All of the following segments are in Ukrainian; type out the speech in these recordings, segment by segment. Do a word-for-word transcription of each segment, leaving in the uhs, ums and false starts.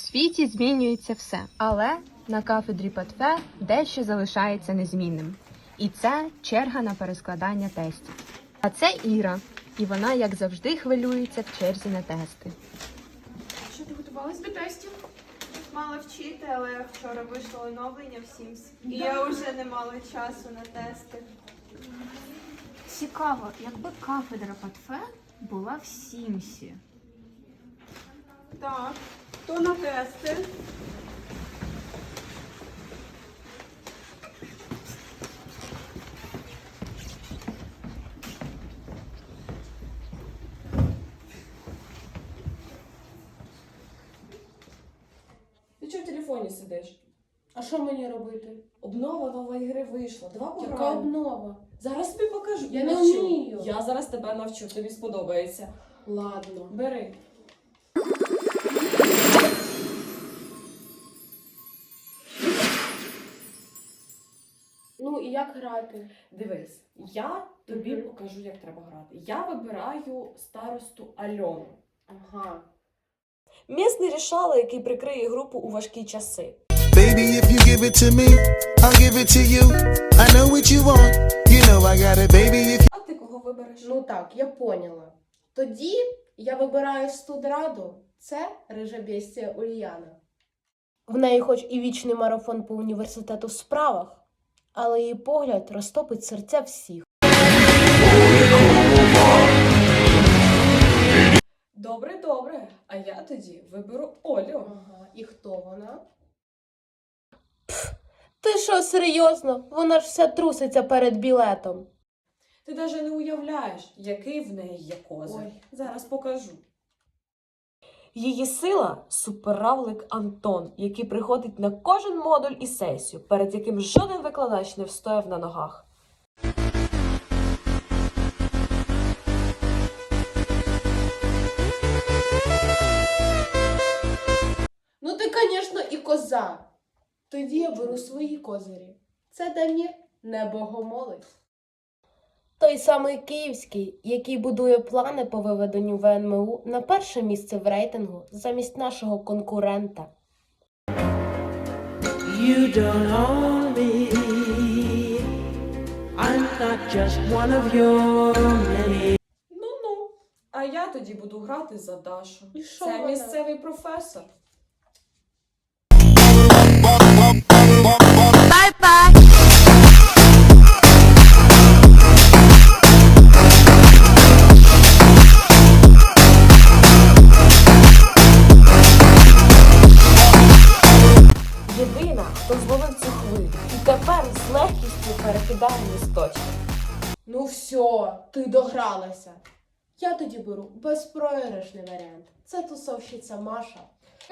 світі змінюється все, але на кафедрі ПЕТФЕ дещо залишається незмінним. І це черга на перескладання тестів. А це Іра, і вона, як завжди, хвилюється в черзі на тести. Що, ти готувалась до тестів? Мала вчити, але вчора вийшло оновлення в Sims. І я вже не мала часу на тести. Цікаво, якби кафедра ПЕТФЕ була в Сімсі. Так, хто на тести? Ти чого в телефоні сидиш? А що мені робити? Обнова нової гри вийшла. Давай Яка пограємо. обнова? Зараз тобі покажу. Я не Навчу. вмію. Я зараз тебе навчу, тобі сподобається. Ладно. Бери. Ну і як грати? Дивись, я тобі Мгм. покажу, як треба грати. Я вибираю старосту Альону. Ага. Місний рішала, який прикриє групу у важкі часи. Baby, if you give it to me, I'll give it to you. I know what you want, you know I got it, baby. If А ти кого вибереш? Ну так, я поняла. Тоді я вибираю студраду. Це рижа бестія Ульяна. В неї хоч і вічний марафон по університету в справах, але її погляд розтопить серця всіх. Добре, добре. А я тоді виберу Олю. Ага. І хто вона? Ти що, серйозно? Вона ж вся труситься перед білетом. Ти навіть не уявляєш, який в неї є козир. Ой. Зараз покажу. Її сила – суперравлик Антон, який приходить на кожен модуль і сесію, перед яким жоден викладач не встояв на ногах. Ну ти, звісно, і коза. Тоді я беру свої козирі. Це Дамір, не богомолець. Той самий київський, який будує плани по виведенню В Н М У на перше місце в рейтингу замість нашого конкурента. You don't own me. I'm not just one of your many. Ну-ну. А я тоді буду грати за Дашу. І що Це вона? місцевий професор. Єдина, хто зловив цю хвилю і тепер з легкістю перекидає місточки. Ну все, ти догралася. Я тоді беру безпроіграшний варіант. Це тусовщиця Маша.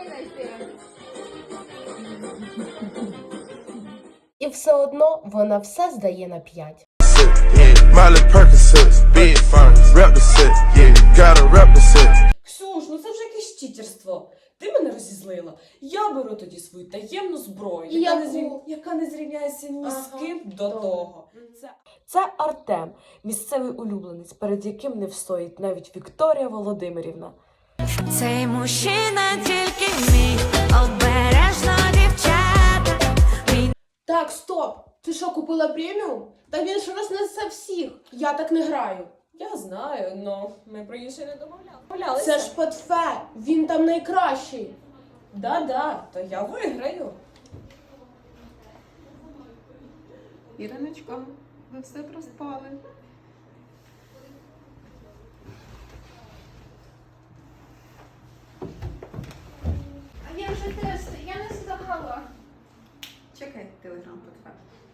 І все одно вона все здає на п'ять. yeah, Miley Percocet, big furnace, rep the set, yeah, gotta rep the set. Ксюш, ну це вже якесь читерство. Ти мене розізлила. Я беру тоді свою таємну зброю, І яка, яку? не, зрів... яка не зрівняється ні з Ага, ким до добре. того. Це... це Артем, місцевий улюбленець, перед яким не встоїть навіть Вікторія Володимирівна. Цей мужчина тільки мій, обережно, дівчата. Мій Так, стоп! Ти що, купила преміум? Та він ж рознесе всіх. Я так не граю. Я знаю, але ми про інше не домовляли. Це ж ПЕТФЕ, він там найкращий. Да-да, то я виграю. Іриночко, ви все проспали. А я вже тести, я не здала. Чекай телеграм ПЕТФЕ.